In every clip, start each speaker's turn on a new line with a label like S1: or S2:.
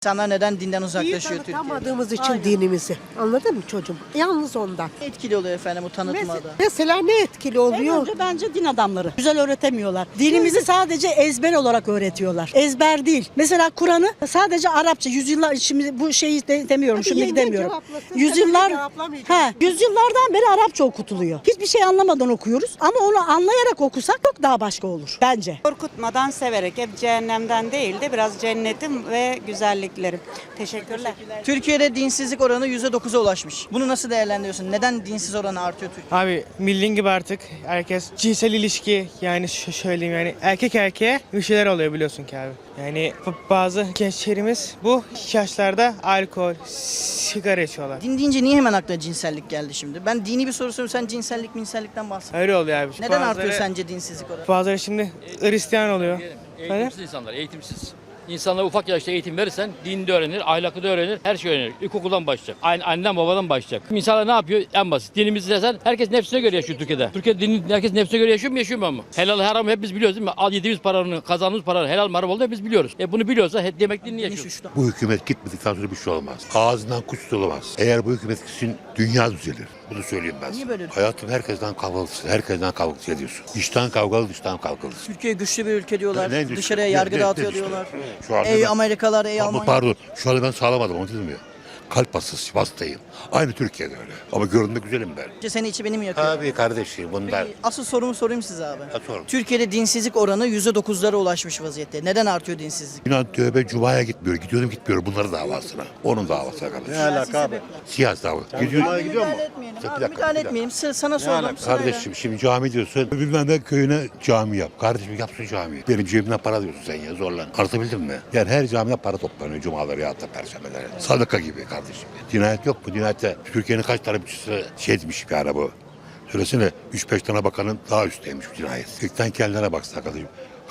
S1: İnsanlar neden dinden uzaklaşıyor Türkiye'de?
S2: Tanıtamadığımız için
S1: Aynen.
S2: dinimizi. Anladın mı çocuğum? Yalnız ondan.
S1: Etkili oluyor efendim bu tanıtmada.
S2: Mesela ne etkili
S3: En
S2: oluyor?
S3: önce bence din adamları. Güzel öğretemiyorlar. Dinimizi sadece ezber olarak öğretiyorlar. Ezber değil. Mesela Kur'an'ı sadece Arapça. Yüzyıllar, şimdi bu şeyi demiyorum.
S2: Hadi
S3: Şimdi
S2: yenge
S3: demiyorum.
S2: cevaplasın,
S3: Yüzyıllar,
S2: tabii cevaplamayacağım.
S3: yüzyıllardan beri Arapça okutuluyor. Hiçbir şey anlamadan okuyoruz. Ama onu anlayarak okusak çok daha başka olur bence.
S4: Korkutmadan, severek, hep cehennemden değil de biraz cennetim ve güzelliklerim. Teşekkürler.
S1: Türkiye'de dinsizlik oranı %9'a ulaşmış. Bunu nasıl değerlendiriyorsun? Neden dinsiz oranı artıyor Türkiye'de?
S5: Abi bildiğin gibi artık herkes cinsel ilişki yani söyleyeyim yani erkek erkeğe bir şeyler oluyor biliyorsun ki abi. Yani bazı gençlerimiz bu yaşlarda alkol, sigara içiyorlar.
S1: Din deyince niye hemen aklına cinsellik geldi şimdi? Ben dini bir soru soruyorum, sen cinsellikten bahsediyorsun.
S5: Öyle oluyor abi.
S1: Neden
S5: Bazıları-
S1: artıyor sence dinsizlik oranı?
S5: Bazıları şimdi Hristiyan oluyor.
S6: Eğitimsiz insanlar, eğitimsiz. İnsanlara ufak yaşta eğitim verirsen dini de öğrenir, ahlakı da öğrenir, her şey öğrenir. İlkokuldan başlayacak. Anneden babadan başlayacak. İnsanlar ne yapıyor? En basit. Dinimizi desen herkes nefsine göre yaşıyor Türkiye'de. Türkiye'de herkes nefsine göre yaşıyor mu yaşıyor mu? Helal haram hep biz biliyoruz değil mi? Al yediğimiz paranın, kazandığımız paranın helal mi haram olduğunu hep biz biliyoruz. Bunu biliyorsa demek dinini yaşıyor.
S7: Bu hükümet gitmedikten sonra bir şey olmaz. Ağzından kuş tutulamaz. Eğer bu hükümet gitsin dünya düzelir. Bunu söyleyeyim ben.
S1: Niye böyle?
S7: Hayatım herkesten kavgalısın. Herkesten kavgalı ediyorsun. İçten kavgalı dıştan kavgalısın.
S1: Türkiye güçlü bir ülke diyorlar.
S7: Ne güçlü?
S1: Dışarıya
S7: Ne-
S1: yargı
S7: ne-
S1: dağıtıyor
S7: ne güçlü?
S1: diyorlar.
S7: Şu anda
S1: Ey
S7: ben-
S1: Amerikalılar, ey
S7: Ama
S1: Almanya.
S7: pardon şu anda ben sağlamadım onu dedim ya. Kalp hastayım. Aynı Türkiye'de öyle. Ama görünme güzelim ben.
S1: Seni içi benim yakıyor.
S7: Abi kardeşim bunlar.
S1: Asıl sorumu sorayım size abi.
S7: Sorun.
S1: Türkiye'de dinsizlik oranı %9'lara ulaşmış vaziyette. Neden artıyor dinsizlik?
S7: İnan tövbe cumaya gitmiyor. Gidiyordum gitmiyor. Bunların davasına. Onun davasına kardeşim.
S1: Siyasi sebepler.
S7: Siyasi dava. Gidiyor.
S1: Abi müdahale etmeyelim.
S7: Bir
S1: Abi
S7: dakika,
S1: müdahale
S7: bir dakika.
S1: etmeyelim. Sana sordum.
S7: Kardeşim şimdi cami diyorsun. Bilmem ne köyüne cami yap. Kardeşim yapsın cami. Benim cebimden para diyorsun sen ya zorla. Anlatabildim mi? Yani her camide para toplanıyor cumaları ya da perşembeleri. Sadaka gibi kardeşim. Cinayet yok mu? Cinayette Türkiye'nin kaç tane bütçesi şey demiş bir ara bu. Söylesene 3-5 tane bakanın daha üstteymiş bu cinayet. İlkten kendine baksın kardeşim.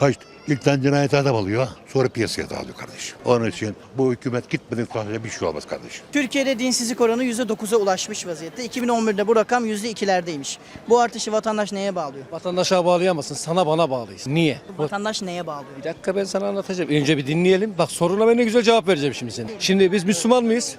S7: İlkten cinayete adam alıyor, sonra piyasaya dağılıyor kardeşim. Onun için bu hükümet gitmedikten sonra bir şey olmaz kardeşim.
S1: Türkiye'de dinsizlik oranı %9'a ulaşmış vaziyette. 2011'de bu rakam %2'lerdeymiş. Bu artışı vatandaş neye bağlıyor?
S8: Vatandaşa bağlayamazsın. Sana bana bağlıyız. Niye?
S1: Vatandaş neye bağlıyor?
S8: Bir dakika ben sana anlatacağım. Önce bir dinleyelim. Bak soruna ben ne güzel cevap vereceğim şimdi senin. Şimdi biz Müslüman mıyız?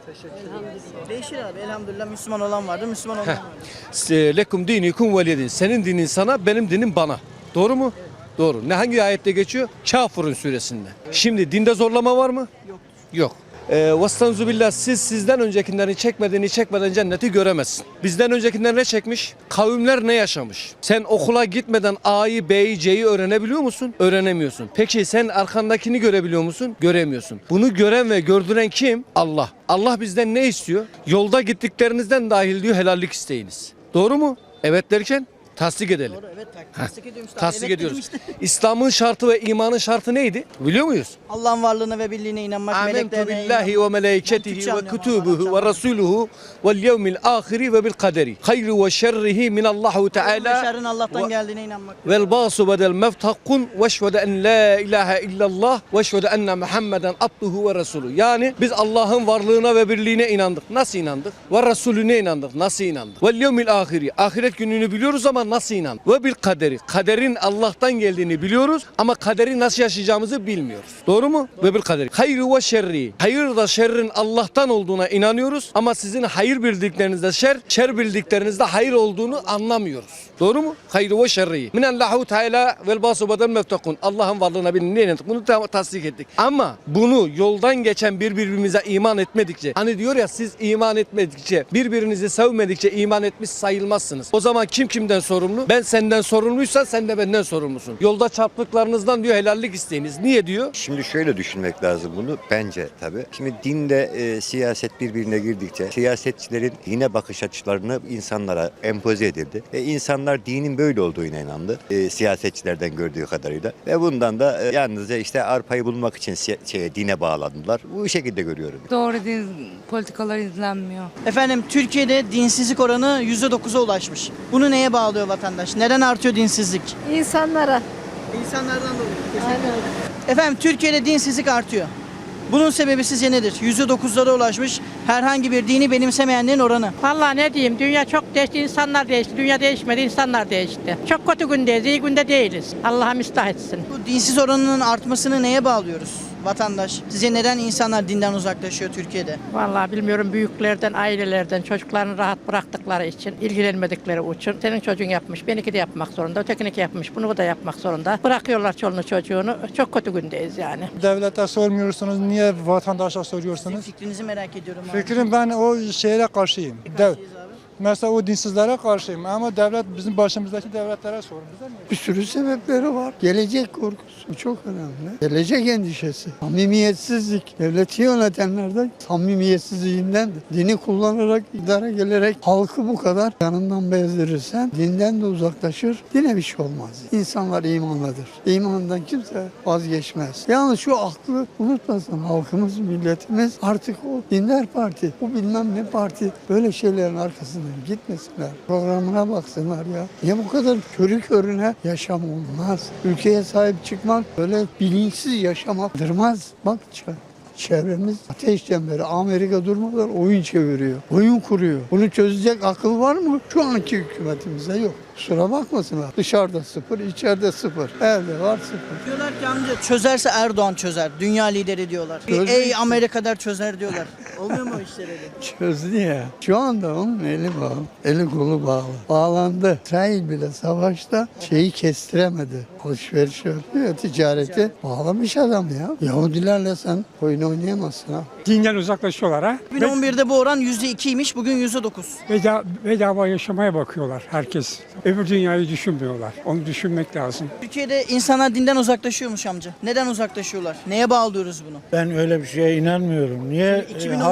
S1: Değişir abi. Elhamdülillah Müslüman olan vardır, Müslüman olmayan vardır.
S8: Lekum dinikum veliyedin. Senin dinin sana, benim dinim bana. Doğru mu? Doğru. Ne hangi ayette geçiyor? Kafirun suresinde. Şimdi dinde zorlama var mı? Yok. Yok. Vestanzu billah siz sizden öncekilerini çekmeden cenneti göremezsin. Bizden öncekiler ne çekmiş? Kavimler ne yaşamış? Sen okula gitmeden A'yı, B'yi, C'yi öğrenebiliyor musun? Öğrenemiyorsun. Peki sen arkandakini görebiliyor musun? Göremiyorsun. Bunu gören ve gördüren kim? Allah. Allah bizden ne istiyor? Yolda gittiklerinizden dahil diyor helallik isteyiniz. Doğru mu? Evet derken tasdik edelim.
S1: Doğru, evet. Tasdik ediyorum işte.
S8: Tasdik
S1: Evet dedim
S8: ediyoruz.
S1: işte.
S8: İslam'ın şartı ve imanın şartı neydi? Biliyor muyuz?
S1: Allah'ın varlığına ve birliğine inanmak,
S8: Amentu
S1: meleklerine
S8: billahi
S1: inanmak.
S8: ve melaiketihi
S1: Türkçe
S8: ve
S1: anlıyorum
S8: kutubuhu
S1: ama
S8: ve rasuluhu vel yevmil ahiri ve bil kaderi. Hayru ve şerrihi min Allahu Teala
S1: Şerrin Allah'tan geldiğine inanmak.
S8: vel basu bedel mevtakun ve şvede en la ilahe illallah ve şvede enne Muhammeden abduhu ve resulü. Yani biz Allah'ın varlığına ve birliğine inandık. Nasıl inandık? Ve Resulüne inandık. Nasıl inandık? Vel yevmil ahiri. Ahiret gününü biliyoruz ama nasıl inandık? Ve bil kaderi. Kaderin Allah'tan geldiğini biliyoruz ama kaderi nasıl yaşayacağımızı bilmiyoruz. Doğru mu? Ve bil kaderi. Hayru ve şerri. Hayır da şerrin Allah'tan olduğuna inanıyoruz ama sizin hayır bildiklerinizde şer, şer bildiklerinizde hayır olduğunu anlamıyoruz. Doğru mu? Hayru ve şerri. Minallahu Teala vel basu bedel mevtakun. Allah'ın varlığına birliğine inandık. Bunu tasdik ettik. Ama bunu yoldan geçen birbirimize iman etmedikçe, hani diyor ya siz iman etmedikçe, birbirinizi sevmedikçe iman etmiş sayılmazsınız. O zaman kim kimden sorumlu? Ben senden sorumluysan sen de benden sorumlusun. Yolda çarptıklarınızdan diyor helallik isteyiniz. Niye diyor?
S9: Şimdi şöyle düşünmek lazım bunu bence tabii. Şimdi dinle siyaset birbirine girdikçe siyasetçilerin dine bakış açılarını insanlara empoze edildi. İnsanlar dinin böyle olduğuna inandı. Siyasetçilerden gördüğü kadarıyla. Ve bundan da yalnızca işte arpayı bulmak için dine bağlandılar. Bu şekilde görüyorum.
S10: Doğru din politikalar izlenmiyor.
S1: Efendim Türkiye'de dinsizlik oranı %9'a ulaşmış. Bunu neye bağlıyor vatandaş? Neden artıyor dinsizlik?
S10: İnsanlara.
S1: İnsanlardan dolayı. Efendim Türkiye'de dinsizlik artıyor. Bunun sebebi sizce nedir? %9'lara ulaşmış herhangi bir dini benimsemeyenlerin oranı.
S3: Vallahi ne diyeyim, dünya çok değişti, insanlar değişti. Dünya değişmedi, insanlar değişti. Çok kötü gündeyiz, iyi günde değiliz. Allah'a müstah etsin.
S1: Bu dinsiz oranının artmasını neye bağlıyoruz? vatandaş. Sizce neden insanlar dinden uzaklaşıyor Türkiye'de?
S11: Vallahi bilmiyorum, büyüklerden, ailelerden, çocuklarını rahat bıraktıkları için, ilgilenmedikleri için. Senin çocuğun yapmış, benimki de yapmak zorunda, ötekininki yapmış, bunu da yapmak zorunda. Bırakıyorlar çoluğunu çocuğunu. Çok kötü gündeyiz yani.
S12: Devlete sormuyorsunuz, niye vatandaşa
S1: Sizin
S12: soruyorsunuz?
S1: fikrinizi merak ediyorum abi.
S12: Fikrim ben o şeye karşıyım.
S1: Karşıyız abi.
S12: Mesela o dinsizlere karşıyım ama devlet bizim başımızdaki devletlere sorun. Bize niye?
S13: Bir sürü sebepleri var. Gelecek korkusu çok önemli. Gelecek endişesi. Samimiyetsizlik. Devleti yönetenlerden samimiyetsizliğinden de. Dini kullanarak, idare gelerek halkı bu kadar yanından bezdirirsen dinden de uzaklaşır. Dine bir şey olmaz. İnsanlar imanlıdır. İmandan kimse vazgeçmez. Yalnız şu aklı unutmasın halkımız, milletimiz artık o dindar parti, bu bilmem ne parti böyle şeylerin arkasından gitmesinler. Programına baksınlar ya. Niye bu kadar körü körüne yaşam olmaz? Ülkeye sahip çıkmak böyle bilinçsiz yaşamak durmaz. Bak çevremiz ateş çemberi. Amerika durmadan oyun çeviriyor. Oyun kuruyor. Bunu çözecek akıl var mı? Şu anki hükümetimizde yok. Kusura bakmasınlar. Dışarıda sıfır, içeride sıfır. Evde var sıfır.
S1: Diyorlar ki amca çözerse Erdoğan çözer. Dünya lideri diyorlar.
S13: Çözdü
S1: Ey
S13: işte.
S1: Amerika'da çözer diyorlar. Olmuyor mu o işler öyle?
S13: Çözdü ya. Şu anda onun eli bağlı. Eli kolu bağlı. Bağlandı. İsrail bile savaşta şeyi kestiremedi. Alışveriş yapıyor, ticareti bağlamış adam ya. Yahudilerle sen oyun oynayamazsın ha.
S12: Dinden uzaklaşıyorlar ha.
S1: 2011'de bu oran %2'ymiş, bugün %9.
S12: Bedava yaşamaya bakıyorlar herkes. Öbür dünyayı düşünmüyorlar. Onu düşünmek lazım.
S1: Türkiye'de insanlar dinden uzaklaşıyormuş amca. Neden uzaklaşıyorlar? Neye bağlıyoruz bunu?
S13: Ben öyle bir şeye inanmıyorum. Niye?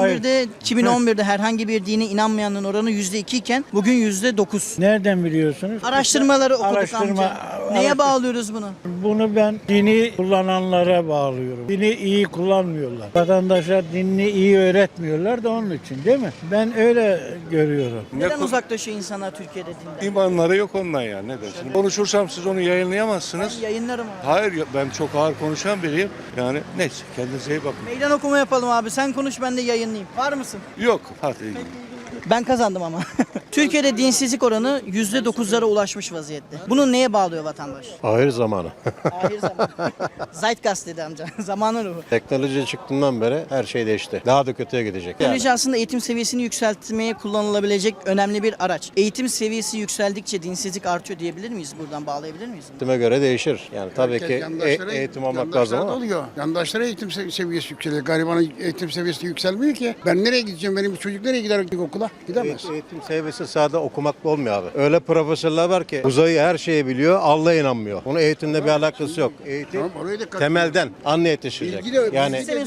S1: 2011'de herhangi bir dine inanmayanın oranı %2 iken bugün %9.
S13: Nereden biliyorsunuz?
S1: Araştırmaları okuduk amca. Neye bağlıyoruz bunu?
S13: Bunu ben dini kullananlara bağlıyorum. Dini iyi kullanmıyorlar. Vatandaşa dinini iyi öğretmiyorlar da onun için değil mi? Ben öyle görüyorum.
S1: Neden uzaklaşıyor insanlar Türkiye'de dinden?
S8: İmanları yok ondan ya. Ne dersin? Konuşursam siz onu yayınlayamazsınız.
S1: Yayınlarım abi.
S8: Hayır, ben çok ağır konuşan biriyim. Yani neyse, kendinize iyi bakın.
S1: Meydan okuma yapalım abi. Sen konuş, ben de yayınlayayım. Var mısın?
S8: Yok. Hadi.
S1: Ben kazandım ama. Türkiye'de dinsizlik oranı %9'lara ulaşmış vaziyette. Bunu neye bağlıyor vatandaş?
S7: Ahir zamanı.
S1: Ahir zaman. Zeitgeist dedi amca. Zamanın ruhu.
S7: Teknoloji çıktığından beri her şey değişti. Daha da kötüye gidecek.
S1: Teknoloji aslında eğitim seviyesini yükseltmeye kullanılabilecek önemli bir araç. Eğitim seviyesi yükseldikçe dinsizlik artıyor diyebilir miyiz? Buradan bağlayabilir miyiz?
S7: Eğitime göre değişir. Yani tabii ki eğitim almak lazım ama.
S13: Oluyor. Yandaşlara eğitim seviyesi yükseliyor. Garibanın eğitim seviyesi yükselmiyor ki. Ben nereye gideceğim? Benim çocuk nereye gider okula? Gidemez.
S7: Eğitim seviyesi sadece okumakla olmuyor abi. Öyle profesörler var ki uzayı her şeyi biliyor, Allah'a inanmıyor. Bunun eğitimle bir alakası yok. Eğitim temelden anne yetişecek. Yani
S1: Sistemin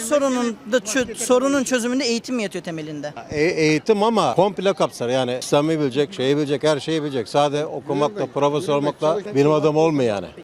S1: sorunun çözümünde eğitim mi yatıyor temelinde?
S7: eğitim ama komple kapsar. Yani İslam'ı bilecek, şeyi bilecek, her şeyi bilecek. Sadece okumakla, profesör olmakla bilim adamı olmuyor yani.